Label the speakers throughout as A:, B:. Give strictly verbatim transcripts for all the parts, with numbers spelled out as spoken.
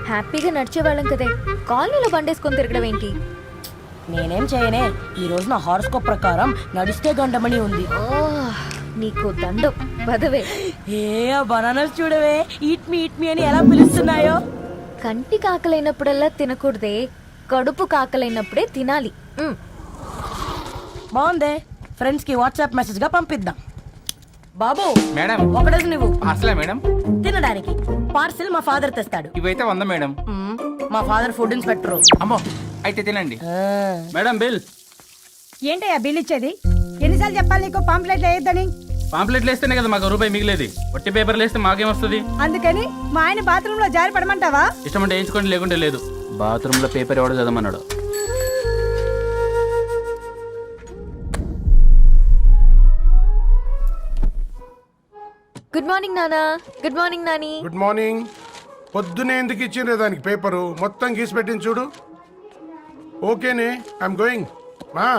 A: హ్యాపీగా నడిచేవాళ్ళం కదే, కాలనీలో బండేసుకొని తిరగడం ఏంటి?
B: నేనేం చేయనే, ఈ రోజు నా హారోస్కోప్ ప్రకారం నడిస్తే గండమణి ఉంది.
A: ఓ నీకు దండం పదవే.
B: ఏ బనానాస్ చూడవే, ఈట్ మీ ఈట్ మీ అని ఎలా పిలుస్తున్నాయో.
A: కంటి కాకలైనప్పుడల్లా తినకూడదే, కడుపు కాకలైనప్పుడే తినాలి. మ్.
B: బాగుందే, ఫ్రెండ్స్ కి వాట్సాప్ మెసేజ్ గా పంపిద్దాం. బాబు
C: మేడం
B: ఒకడేసి నువ్వు
C: అసలే మేడం
B: తినడానికి పార్సిల్ మా ఫాదర్ తెస్తాడు.
C: ఇవైతే వంద మేడం.
B: మ్మ్. మా ఫాదర్ ఫుడ్ ఇన్స్పెక్టర్.
C: అమ్మో అయితే తినండి. Madam bill.
D: ఏంటయ్యా బిల్ ఇచ్చేది? ఎన్నిసార్లు చెప్పాలి నీకు పాంప్లెట్ వేయొద్దని?
C: పాంప్లెట్లు వేస్తేనే కదా మాకు రూపాయి మిగిలేది. ఒట్టి పేపర్లు వేస్తే మాకేం వస్తుంది?
D: అందుకని మా ఆయన బాత్రూమ్ లో జారి పడమంటావా?
C: ఇష్టం అంటే వేయించుకోండి, లేకుంటే లేదు. బాత్రూమ్ లో పేపర్ ఎవడో చదవమన్నాడు.
A: గుడ్ మార్నింగ్ నానా. గుడ్ మార్నింగ్ నాని.
E: Good morning. పొద్దునే ఎందుకు ఇచ్చిండ్రే దానికి పేపరు? మొత్తం గీసి పెట్టింది చూడు. ఓకేనే, ఐఎమ్ గోయింగ్. మా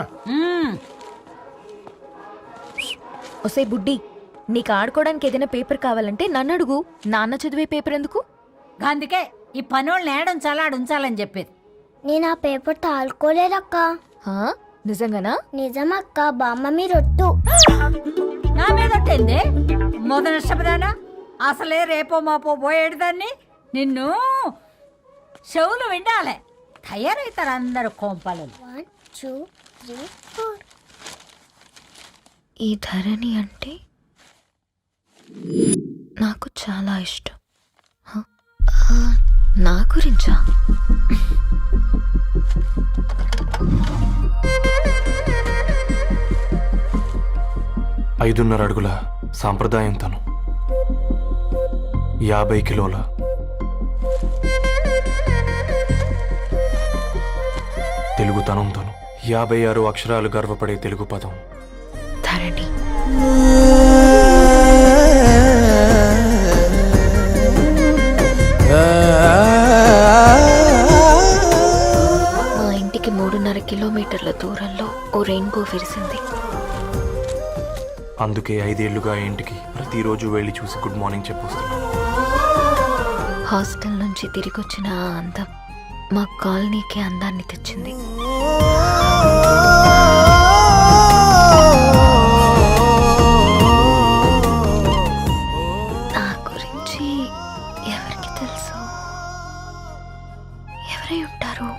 A: ఒసే బుడ్డి, నీకు ఆడుకోవడానికి ఏదైనా పేపర్ కావాలంటే నన్ను అడుగు. నాన్న చదివే పేపర్ ఎందుకు?
F: అందుకే ఈ పనోళ్ళని ఏడుంచాలా ఉంచాలని చెప్పేది.
G: నేను ఆ పేపర్ తాలుకోలేదక్క.
A: హా? నిజంగానా?
G: నిజమక్క, బామ్మ మీరొట్టు.
F: నా మీద ఒట్టేంది మొదటి నష్టపదానా? అసలే రేపో మాపో పోయేడు దాన్ని. నిన్ను చెవులు వినాలే, తయారవుతారు అందరు కోంపాలు.
G: One two three four.
A: ఈ ధరణి అంటే నాకు చాలా ఇష్టం. హ? ఆ, నా గురించా?
H: ఐదున్నర అడుగుల సాంప్రదాయం తను, యాభై కిలోల తెలుగుతనం తను, యాభై ఆరు అక్షరాలు గర్వపడే తెలుగు పదం
A: ధరణి. మా ఇంటికి మూడున్నర కిలోమీటర్ల దూరంలో ఓ రెయిన్బో విరిసింది.
H: అందుకే ఐదేళ్లుగా ఇంటికి ప్రతిరోజు వెళ్ళి చూసి గుడ్ మార్నింగ్ చెప్పొస్తున్నాను.
A: హాస్టల్ నుంచి తిరిగొచ్చిన ఆ అందం మా కాలనీకి అందాన్ని తెచ్చింది. నా గురించి ఎవరికి తెలుసు? ఎవరై ఉంటారు?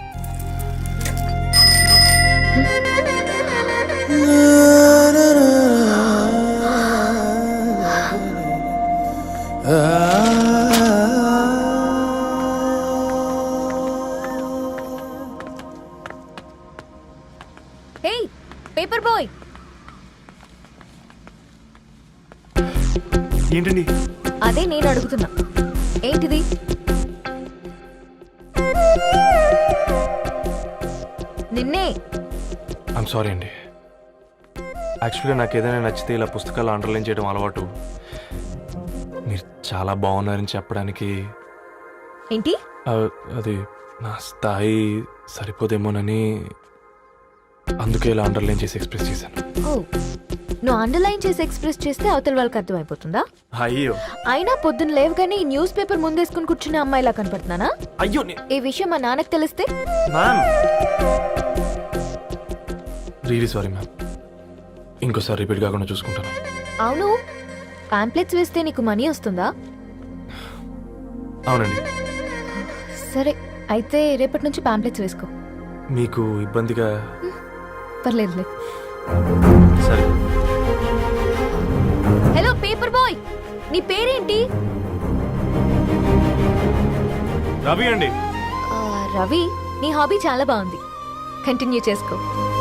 A: Hey paper boy.
H: ఏంటండి?
A: అదే నేను అడుగుతున్నా, ఏంటిది? నిన్నే.
H: ఐమ్ సారీ అండి. యాక్చువల్గా నాకు ఏదైనా నచ్చితే ఇలా పుస్తకాలు అండర్లైన్ చేయడం అలవాటు. మీరు చాలా బాగున్నారని చెప్పడానికి
A: ఏంటి?
H: ఆ, అది నా స్థాయి సరిపోదేమోనని అందుకే ఇలా అండర్లైన్ చేసి ఎక్స్ప్రెస్ చేశాను.
A: ఓ, నువ్వు అండర్లైన్ చేసి ఎక్స్ప్రెస్ చేస్తే అవతల వాళ్ళకి అర్థమైపోతుందా?
H: అయ్యో
A: అయినా పొద్దున్న లేవగానే ఈ న్యూస్ పేపర్ ముందేసుకుని కూర్చునే అమ్మాయిలా కనపడుతున్నానా?
H: అయ్యో
A: ఈ విషయం మా నాన్నకి తెలిస్తే?
H: Ma'am really sorry ma'am. ఇంకోసారి రిపీట్ కాకుండా చూసుకుంటాను.
A: అవును, పాంప్లెట్స్ వేస్తే నీకు మనీ వస్తుందా?
H: అవునండి.
A: సరే అయితే రేపటి నుంచి పాంప్లెట్స్ వేసుకో.
H: మీకు ఇబ్బందిగా?
A: పర్లేదులే.
H: సరే.
A: హలో పేపర్ బాయ్, నీ పేరేంటి?
H: రవి అండి.
A: ఆ, రవి, నీ హాబీ చాలా బాగుంది, కంటిన్యూ చేసుకో.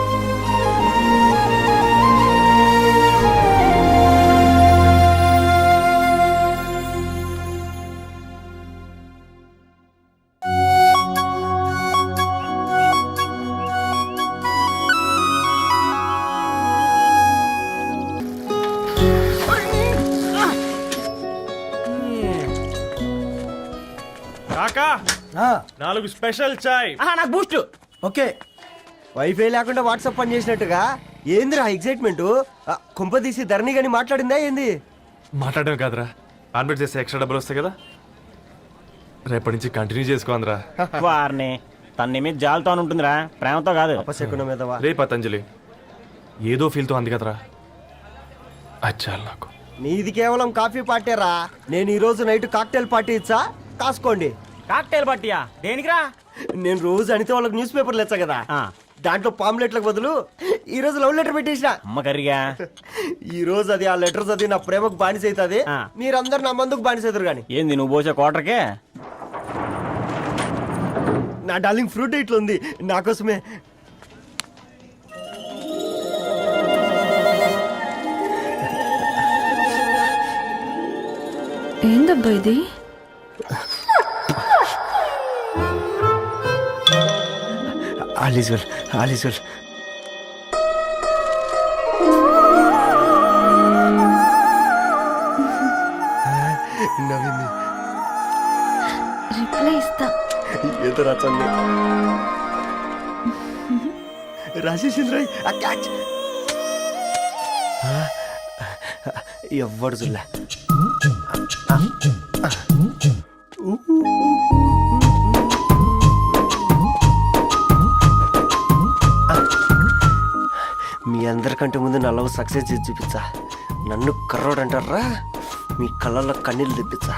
I: కాకా నాలుగు స్పెషల్ చాయ్.
B: నాకు బూస్ట్.
J: ఓకే, వైఫై లేకుండా వాట్సాప్ పని చేసినట్టుగా ఏందిరా ఎగ్జైట్మెంట్? కుంప తీసి ధరణి గాని మాట్లాడిందా ఏంది?
H: మాట్లాడడం కాదురా, కాన్వర్ట్ చేస్తే ఎక్స్ట్రా డబ్బులు వస్తాయి కదా. రేపటి నుంచి కంటిన్యూ చేసుకోందిరా.
K: వారిని తన నీ మీద జాలతో ఉంటుందిరా, ప్రేమతో కాదు.
J: అపశకునం మీద వా.
H: రే పతంజలి, ఏదో ఫీల్తో అంది కదరా, అచ్చాలి నాకు.
J: నీది కేవలం కాఫీ పార్టీరా. నేను ఈ రోజు నైట్ కాక్టైల్ పార్టీ ఇచ్చా, కాసుకోండి.
K: కాక్టైల్ పట్టియా దేనికిరా?
J: నేను రోజు అనితే వాళ్ళకి న్యూస్ పేపర్లు ఇచ్చా కదా,
K: ఆ,
J: దాంట్లో పాంప్లెట్లకు బదులు ఈ రోజు లవ్ లెటర్ పెట్టేసిన.
K: అమ్మ కర్రీగా.
J: ఈ రోజు అది ఆ లెటర్ చదివి నా ప్రేమకు బానిస అవుతుంది.
K: ఆ.
J: మీరందరు నా మందుకు బానిస అవుతారు కానీ.
K: ఏంది నువ్వు పోసే కోటర్కే?
J: నా డార్లింగ్ ఫ్రూట్ ఇట్లా ఉంది నా కోసమే.
A: ఏందబ్బా ఇది?
J: All is well, all is well. నవ్వింది.
A: రిప్లై ఇస్తా.
J: ఏదో రచండి రాజేసింద్ర క్యాచ్. ఎవ్వడు జుల్లా. మీ అందరికంటే ముందు నా లవ్ సక్సెస్ చేసి చూపించా. నన్ను కర్రోడు అంటారా, మీ కళ్ళల్లో కన్నీళ్ళు తెప్పించా.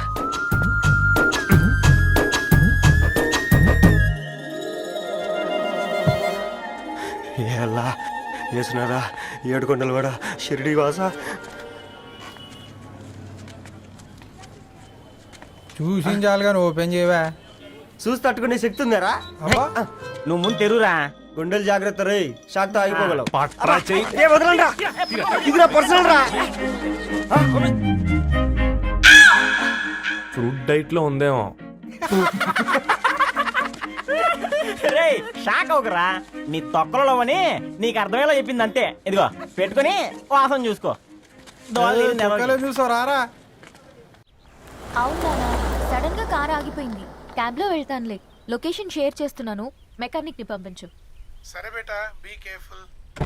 J: ఎలా వేసినారా ఏడుకొండలు కూడా షిరిడి వాస.
I: చూసించాలి కానీ ఓపెన్ చేయవా?
J: చూసి తట్టుకునే శక్తి ఉందారా?
K: నువ్వు ముందు తెరురా.
J: గుండెలు జాగ్రత్త రే, షాక్ తో ఆగిపోగలవు.
H: పట్రా చెయ్యి.
J: ఏ వదలండి రా, ఇది నా పర్సనల్ రా.
H: ఫ్రూట్ డైట్ లో ఉందేమో.
K: రే షాక్ అవకరా, నీ తొక్కలలో అని నీకు అర్థమయ్యేలా చెప్పింది అంతే. ఇదిగో పెట్టుకొని వాసన చూసుకో.
I: చూసారా?
A: అవునా, సడన్ గా కార్ ఆగిపోయింది. క్యాబ్ లో వెళ్తానులే. లొకేషన్ షేర్ చేస్తున్నాను, మెకానిక్ ని పంపించు.
E: సరే బేటా, be careful.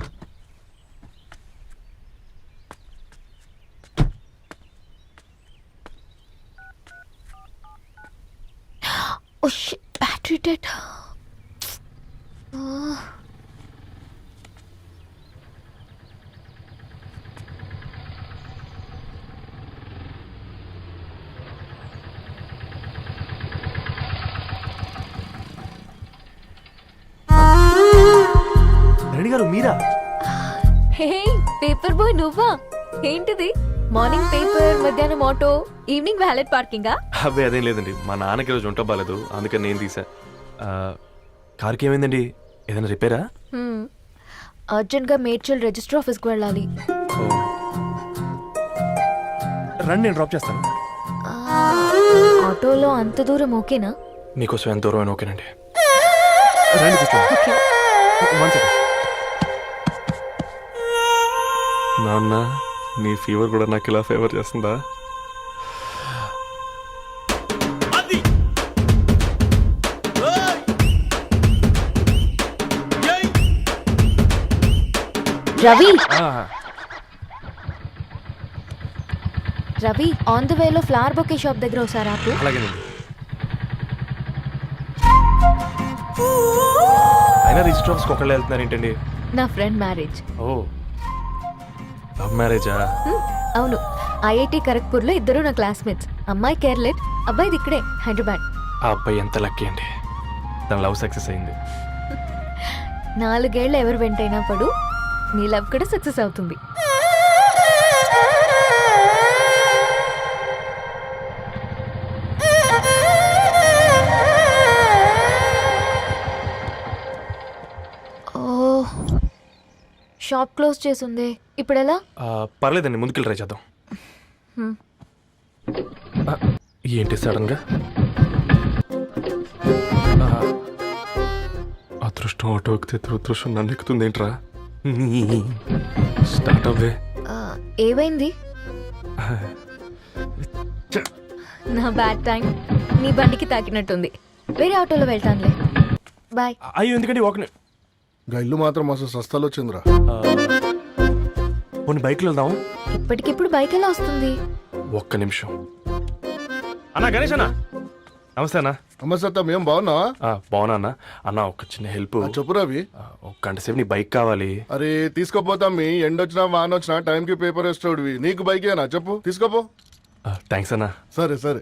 A: Oh shit, battery dead.
H: Reddy గారు మీరా?
A: హే పేపర్ బాయ్, నువ్వా? ఏంటిది? మార్నింగ్ పేపర్, మధ్యాహ్నం ఆటో, ఈవినింగ్ వ్యాలెట్ పార్కింగా?
H: అబ్బే అదేం లేదండి, మా నాన్నకి రోజు ఉంట బాగాలేదు, అందుకని నేను తీసా. ఆ, కార్కి ఏమైందండి? ఏదైనా రిపేరా?
A: అర్జెంట్ గా మేడ్చల్ రిజిస్టర్ ఆఫీస్ కు వెళ్ళాలి.
H: ఓ. రండి, నేను డ్రాప్ చేస్తాను.
A: ఆటోలో అంత దూరం ఓకేనా?
H: మీకోసం ఎంత దూరం అయినా ఓకేనండి. రండి కూర్చోండి.
A: ఓకే.
H: One second. నాన్న, నీ ఫీవర్ కూడా నాకు ఇలా ఫేవర్ చేస్తుందా?
A: రవి, రవి ఆన్ ద వేలో ఫ్లవర్ బొకే షాప్ దగ్గర ఒకసారి ఆపు.
H: అలాగేనండి. అయినా రిజిస్టర్ ఆఫీస్కి ఒకళ్ళు వెళ్తున్నారు ఏంటండి?
A: నా ఫ్రెండ్ మ్యారేజ్.
H: ఓ, లవ్ మ్యారేజా?
A: అవును, ఐఐటి ఖరగ్పూర్ లో ఇద్దరు నా క్లాస్మేట్స్. అమ్మాయి కేర్లెట్, అబ్బాయిది ఇక్కడే హైదరాబాద్.
H: ఆ అబ్బాయి ఎంత లక్కీ అండి, తన లవ్ సక్సెస్ అయింది.
A: నాలుగేళ్లు ఎవరు వెంటైనా పడు, నీ లవ్ కూడా సక్సెస్ అవుతుంది. షాప్ క్లోజ్ చేసిందే, ఇప్పుడు ఎలా?
H: ఆ, పర్లేదండి, ముందుకెళ్ళి ట్రై చేద్దాం. ఆ, ఏంటి సడన్గా? ఆ, అదృష్టం ఆటో ఎక్కితే దురదృష్టం నన్ను ఎక్కుతుంది ఏంట్రా? స్టార్ట్ అవ్వే.
A: ఆ, ఏమైంది? నా బ్యాడ్ టైం నీ బండికి తాకినట్టుంది. వేరే ఆటోలో వెళ్తానులే, బాయ్.
H: అయ్యో ఎందుకండి ఒక
E: గా ఇల్లు మాత్రం అసలు సస్తాలో వచ్చిందిరా.
H: కొన్ని బైక్లో వెళ్దాం.
A: ఇప్పటికిప్పుడు బైక్ ఎలా వస్తుంది?
H: ఒక్క నిమిషం.
I: అన్నా గణేష్ అన్నా,
H: నమస్తే అన్న
E: నమస్తే మేము బాగున్నావా?
H: ఆ, బాగున్నా అన్న అన్న ఒక చిన్న హెల్ప్
E: చెప్పు రవి.
H: ఒక గంట సేపు నీ బైక్ కావాలి.
E: అరే తీసుకోపోతాం మీ ఎండొచ్చినా వాన వచ్చినా టైంకి పేపర్ వేస్తాడువి. నీకు బైకేనా చెప్పు తీసుకోపో.
H: థ్యాంక్స్ అన్న.
E: సరే సరే.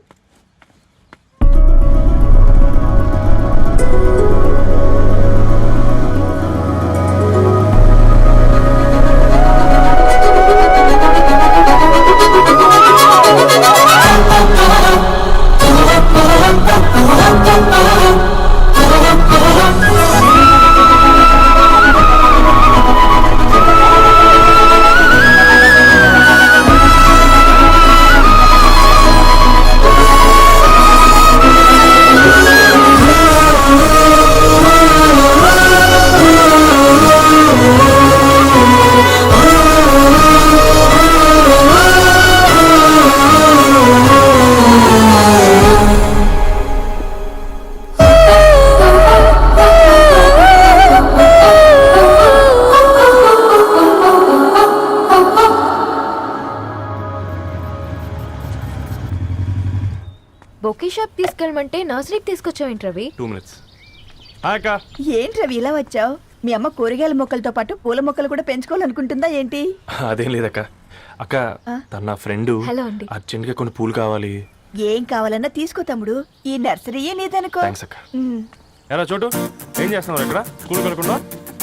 A: బొకే షాప్ తీసుకెళ్ళమంటే నర్సరీకి తీసుకొచ్చావేంటి రవి?
H: Two minutes. అక్క
D: ఏంటి రవి ఇలా వచ్చావు? మీ అమ్మ కూరగాయల మొక్కలతో పాటు పూల మొక్కలు కూడా పెంచుకోవాలనుకుంటుందా ఏంటి?
H: అదేం లేదక్క. అక్క తన నా ఫ్రెండ్
A: హలో అండి.
H: అర్జెంట్ గా కొన్ని పూలు కావాలి.
D: ఏం కావాలన్నా తీసుకో తమ్ముడు, ఈ నర్సరీయే నీదనుకో.
H: థ్యాంక్స్ అక్క. ఎలా చోటు ఏం చేస్తున్నావు ఇక్కడ స్కూల్ కలకుండా?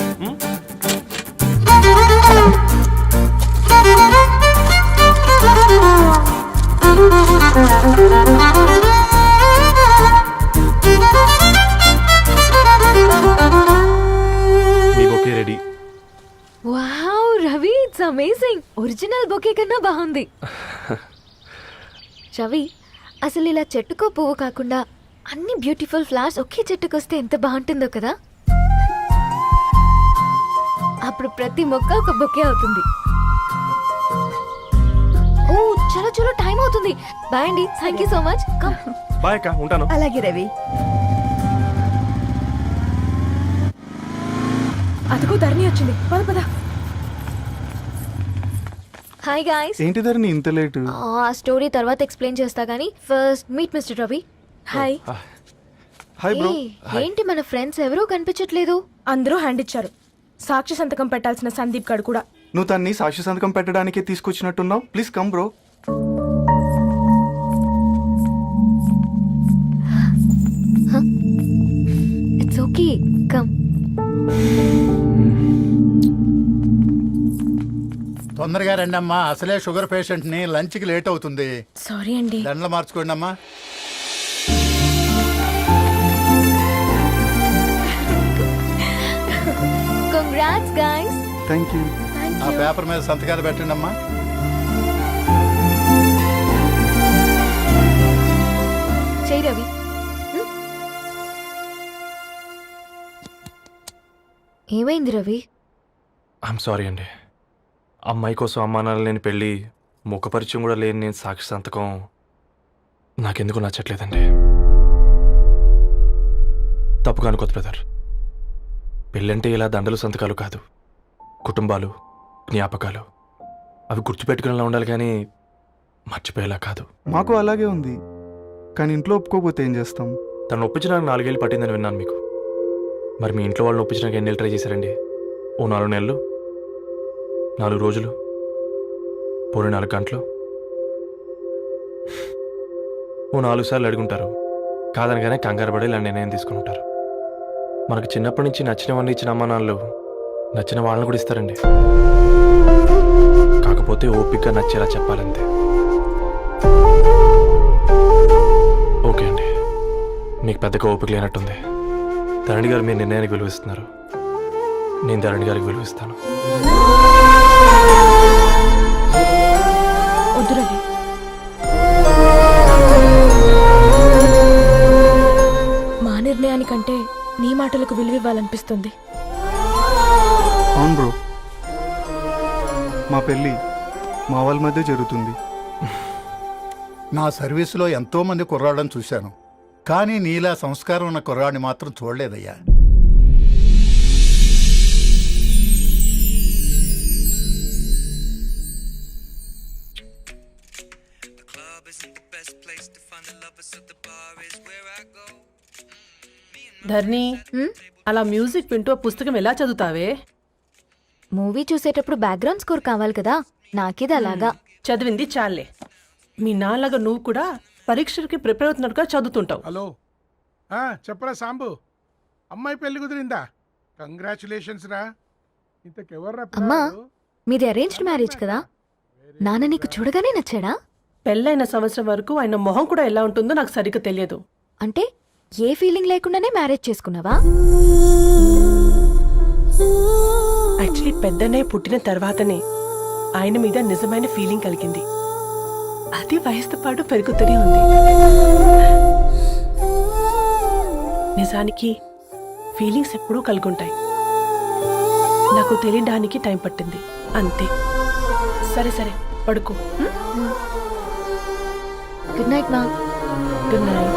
H: మీ bouquet ready.
A: Wow Ravi, it's amazing. Original bouquet కన్నా బాగుంది. రవి, అసలు ఇలా చెట్టుకో పువ్వు కాకుండా అన్ని బ్యూటిఫుల్ ఫ్లవర్స్ ఒకే చెట్టుకు వస్తే ఎంత బాగుంటుందో కదా. అప్పుడు ప్రతి మొక్క ఒక బొకే అవుతుంది. ఓ చలో చలో, టైం అవుతుంది. బాయ్ అండి, thank you so much. Come.
H: Bye అక్క, ఉంటాను.
D: అలాగే రవి.
B: అదిగో ధరణి వచ్చింది, పద పద.
A: Hi guys.
H: ఏంటి ధరణి ఇంత లేట్?
A: ఆ స్టోరీ తర్వాత ఎక్స్ప్లెయిన్ చేస్తా గానీ first meet mister Ravi. Hi.
H: Hi bro.
A: ఏంటి మన ఫ్రెండ్స్ ఎవరూ కనిపించట్లేదు?
B: అందరూ హ్యాండ్ ఇచ్చారు. సాక్షి సంతకం పెట్టాల్సిన సందీప్ గడు కూడా.
L: నువ్వు తన్ని సాక్షి సంతకం పెట్టడానికి తీసుకొచ్చినట్టున్నావు. Please come bro.
A: It's okay, come.
I: తొందరగా రండి అమ్మా, అసలే షుగర్ పేషెంట్ ని లంచ్ కి లేట్ అవుతుంది.
B: సారీ అండి.
I: దండలు మార్చుకోండి అమ్మా.
A: Congrats guys.
L: Thank you.
I: ఆ పేపర్ మీద సంతకాలు పెట్టండి అమ్మా.
A: చెయ్ రవి. ఏమైంది రవి?
H: ఐఎమ్ సారీ అండి. అమ్మాయి కోసం అమ్మా నాన్న లేని పెళ్ళి, ముఖ పరిచయం కూడా లేని నేను సాక్షి సంతకం నాకెందుకు నచ్చట్లేదండి. తప్పుగా అనుకోదు బ్రదర్. పెళ్ళంటే ఇలా దండలు సంతకాలు కాదు, కుటుంబాలు, జ్ఞాపకాలు. అవి గుర్తుపెట్టుకునేలా ఉండాలి కానీ మర్చిపోయేలా కాదు.
L: మాకు అలాగే ఉంది, కానీ ఇంట్లో ఒప్పుకోకపోతే ఏం చేస్తాం?
H: తను ఒప్పించడానికి నాలుగేళ్ళు పట్టిందని విన్నాను మీకు. మరి మీ ఇంట్లో వాళ్ళని ఒప్పించడానికి ఎన్నేళ్ళు ట్రై చేశారండి? ఓ నాలుగు నెలలు, నాలుగు రోజులు, పోనీ నాలుగు గంటలు, ఓ నాలుగు సార్లు అడుగుంటారు. కాదనగానే కంగారు పడి ఇలా నిర్ణయం తీసుకుని ఉంటారు. మనకు చిన్నప్పటి నుంచి నచ్చినవన్నీ ఇచ్చిన అమ్మా నాన్నలు నచ్చిన వాళ్ళని కూడా ఇస్తారండి. కాకపోతే ఓపికగా నచ్చేలా చెప్పాలంతే. ఓకే అండి, మీకు పెద్దగా ఓపిక లేనట్టుంది. ధరణి గారు మీ నిర్ణయానికి విలువిస్తున్నారు, నేను ధరణి గారికి విలువిస్తాను.
B: వద్దు రవి. మా నిర్ణయానికంటే నీ మాటలకు విలువివ్వాలనిపిస్తుంది.
L: అవును బ్రో, మా పెళ్ళి మా వాళ్ళ మధ్య జరుగుతుంది.
I: నా సర్వీసులో ఎంతో మంది కుర్రాళ్ళని చూశాను, కానీ నీలా సంస్కారం ఉన్న కుర్రాడిని మాత్రం చూడలేదయ్యా.
M: isn't the best place to find the lovers, so the bar is where I
B: ధర్ని
A: హ్మ్?
B: అలా మ్యూజిక్ వింటూ ఆ పుస్తకం ఎలా చదువుతావే?
A: మూవీ చూసేటప్పుడు బ్యాక్గ్రౌండ్ స్కోర్ కావాలి కదా, నాకిది అలాగా.
B: చదివింది చాలే. మీ నాన్నగా నువ్వు కూడా పరీక్షలకి ప్రిపేర్ అవుతున్నట్టుగా చదువుతుంటావు.
E: హలో ఆ, చెప్పరా సాంబు, అమ్మాయి పెళ్లి కుదిరిందా? కంగ్రాచులేషన్స్ రా. ఇంతకెవర్రా
A: అమ్మా,
E: పిల్లాడు?
A: మీది అరేంజ్డ్ మ్యారేజ్ కదా, నాన్న నీకు చూడగానే నచ్చాడా?
B: పెళ్ళైన సంవత్సరం వరకు ఆయన మొహం కూడా ఎలా ఉంటుందో నాకు సరిగ్గా తెలియదు.
A: అంటే ఏ ఫీలింగ్ లేకుండానే మ్యారేజ్ చేసుకున్నావా?
B: యాక్చువల్లీ పెద్దనే పుట్టిన తర్వాతనే ఆయన మీద నిజమైన ఫీలింగ్ కలిగింది. అది వయసుతో పాటు పెరుగుతూనే ఉంది. నిజానికి ఫీలింగ్స్ ఎప్పుడూ కలుగుంటాయి. నాకు తెలియడానికి టైం పట్టింది అంతే. సరే సరే పడుకో.
A: గుడ్ నైట్ మా.
B: Good night.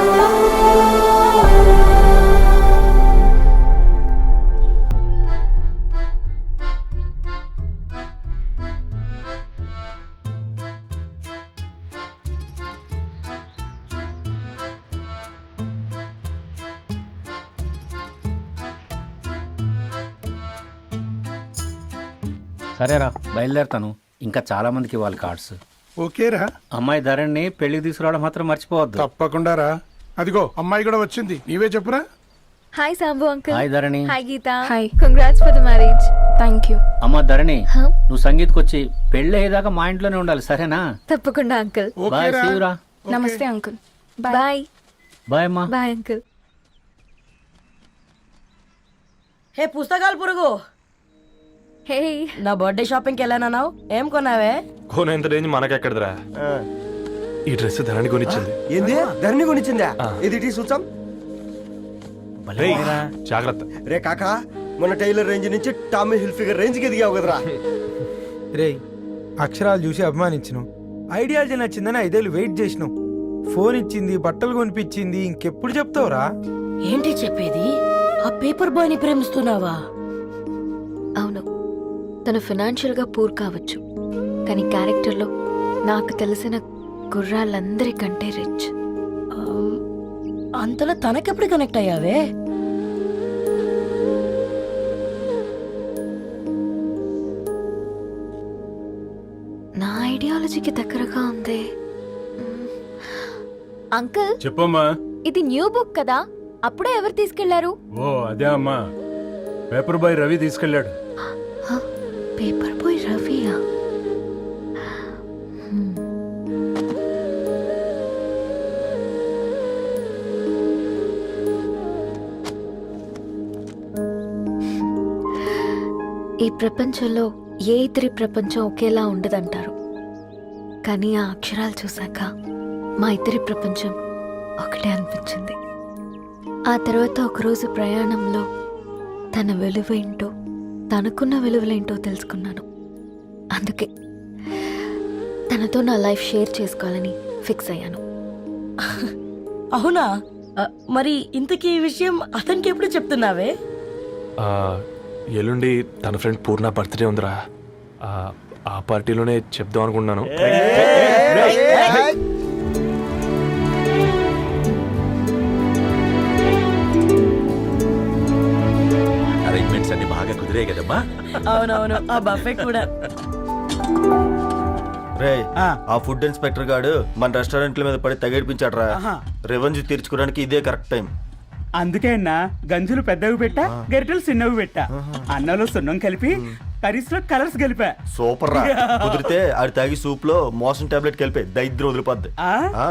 K: సరేరా బయలుదేరుతాను. ఇంకా చాలా మందికి ఇవ్వాలి కార్డ్స్.
E: ఓకేరా,
K: అమ్మాయి ధరణి పెళ్లికి తీసుకురావడం మాత్రం మర్చిపోవద్దు.
E: తప్పకుండా రా. అదిగో అమ్మాయి కూడా వచ్చింది, నీవే చెప్పురా.
A: Hi Sambu uncle.
K: Hi Dharani.
A: Hi Geetha. Hi. Congrats for the marriage. Thank you.
K: అమ్మ ధరణి, నువ్వు సంగీత్కి వచ్చి పెళ్లి అయ్యేదాకా మా ఇంట్లోనే ఉండాలి, సరేనా?
A: తప్పకుండా అంకుల్.
K: బాయ్
E: ఓకేరా?
K: శివరా.
E: ఓకే.
A: నమస్తే అంకుల్. బాయ్.
K: బాయ్ అమ్మా.
A: Bye uncle.
B: హే పుస్తకాలు పురుగు,
A: హే,
B: నా బర్త్డే షాపింగ్కి వెళ్ళానన్నావు, ఏం కొన్నావే?
H: కోనేంత రేంజ్ మనకెక్కడదిరా. ఈ డ్రెస్ ధరణి కొనిచ్చింది.
J: ఏంది ధరణి కొనిచ్చిందా? ఇది ఇటీ చూసాం.
H: రేయ్, జాగ్రత్త.
J: రే కాకా, మన టైలర్ రేంజ్ నుంచి టామీ హిల్ఫిగర్ రేంజ్ కి ఎదిగావు కదరా.
M: రేయ్, అక్షరాలు చూసి అభిమానించినావు, ఐడియాలజీ నచ్చిందని ఐదేళ్ళు వెయిట్ చేసినావు, ఫోన్ ఇచ్చింది, బట్టలు కొనిపించింది, ఇంకెప్పుడు చెప్తావురా?
B: ఏంటి చెప్పేది? ఆ పేపర్ బాయ్ ని ప్రేమిస్తున్నావా?
A: అవును, తను ఫినాన్షియల్గా పూర్ కావచ్చు, కానీ క్యారెక్టర్లో నాకు తెలిసిన గుర్రాలందరికంటే రిచ్.
B: అంతలో తనకెప్పుడు కనెక్ట్ అయ్యావే?
A: నా ఐడియాలజీకి దగ్గరగా ఉంది. మ్మ్. అంకుల్,
C: చెప్పమ్మా.
A: ఇది న్యూ బుక్ కదా, అప్పుడే ఎవరు తీసుకెళ్లారు?
C: ఓ అదే అమ్మా, పేపర్ బాయ్ రవి తీసుకెళ్ళాడు.
A: హ, పేపర్ బాయ్ రవియా? హ్మ్. ఈ ప్రపంచంలో ఏ ఇతరి ప్రపంచం ఒకేలా ఉండదంటారు, కానీ ఆ అక్షరాలు చూశాక మా ఇద్దరి ప్రపంచం ఒకటే అనిపించింది. ఆ తర్వాత ఒకరోజు ప్రయాణంలో తన విలువ ఏంటో, తనకున్న విలువలేంటో తెలుసుకున్నాను. అందుకే తనతో నా లైఫ్ షేర్ చేసుకోవాలని ఫిక్స్ అయ్యాను.
B: అవునా? ఆ, మరి ఇంతకీ ఈ విషయం అతనికి ఎప్పుడు చెప్తున్నావే?
H: ఆ, ఎల్లుండి తన ఫ్రెండ్ పూర్ణ బర్త్డే ఉందిరా. ఆ, ఆ పార్టీలోనే చెప్దాం అనుకున్నాను.
C: అరేంజ్మెంట్స్ అన్ని బాగా కుదిరే కదమ్మా.
B: అవునవును, ఆ బఫే కూడా.
J: రే, ఆ ఫుడ్ ఇన్స్పెక్టర్ గాడు మన రెస్టారెంట్ల మీద పడి తగేడిపించాడు రా. రెవెన్యూ తీర్చుకోవడానికి ఇదే కరెక్ట్ టైం.
K: అందుకే అన్న గంజులు పెద్దవి పెట్టా, గరిటెలు చిన్నవి పెట్టా. అన్నంలో సున్నం కలిపి కర్రీస్ లో కలర్స్ కలిపా.
J: సూపర్ రా. కుదిరితే ఆడి తాగి సూప్ లో మోషన్ టాబ్లెట్ కలిపే దైద్యం వదిలిపోద్ది.
K: ఆ?
J: ఆ.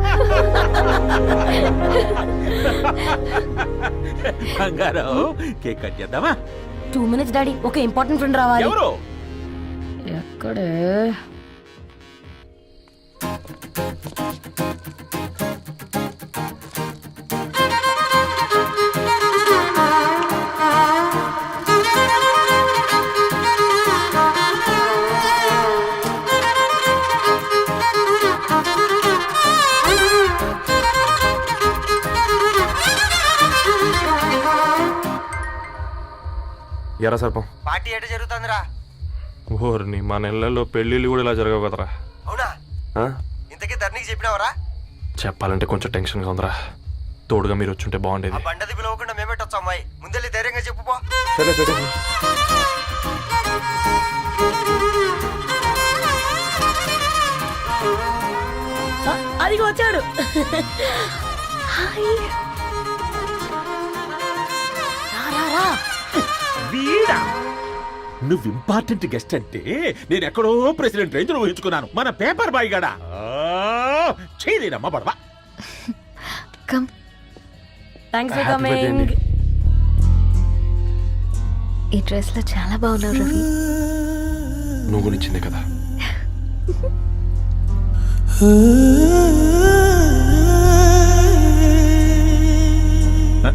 C: కేక్ కట్ చేద్దామా?
B: టూ మినిట్స్ డాడీ, ఒక ఇంపార్టెంట్ ఫ్రెండ్ రావాలి.
C: ఎవరు?
B: ఎక్కడే?
H: ఎరా సర్పం,
J: పార్టీ ఎట జరుగుతుందిరా?
H: ఓర్ని మా నెలల్లో పెళ్ళిళ్ళు కూడా ఇలా జరగవు కదరా.
J: అవునా?
H: ఆ?
J: ఇంతకీ ధరణికి చెప్పినావరా?
H: చెప్పాలంటే కొంచెం టెన్షన్గా ఉందిరా. తోడుగా మీరు వచ్చుంటే బాగుండేది.
J: బండది పిలవకుండా మేమెట్టొచ్చు అమ్మాయి, ముందెళ్ళి ధైర్యంగా చెప్పుపో.
H: సరే సరే
F: అది వచ్చాడు.
C: వీడా నువ్వు ఇంపార్టెంట్ గెస్ట్ అంటే నేను ఎక్కడో ప్రెసిడెంట్ రేంజ్ ఊహించుకున్నాను. మన పేపర్ బాయ్ గడా చేయలేనమ్మా బడవా.
A: Come.
F: Thanks for
H: Happy birthday
F: coming.
H: అండి.
A: ఈ డ్రెస్ లో చాలా బాగున్నావు రవి.
H: నువ్వు గురించిందే కదా.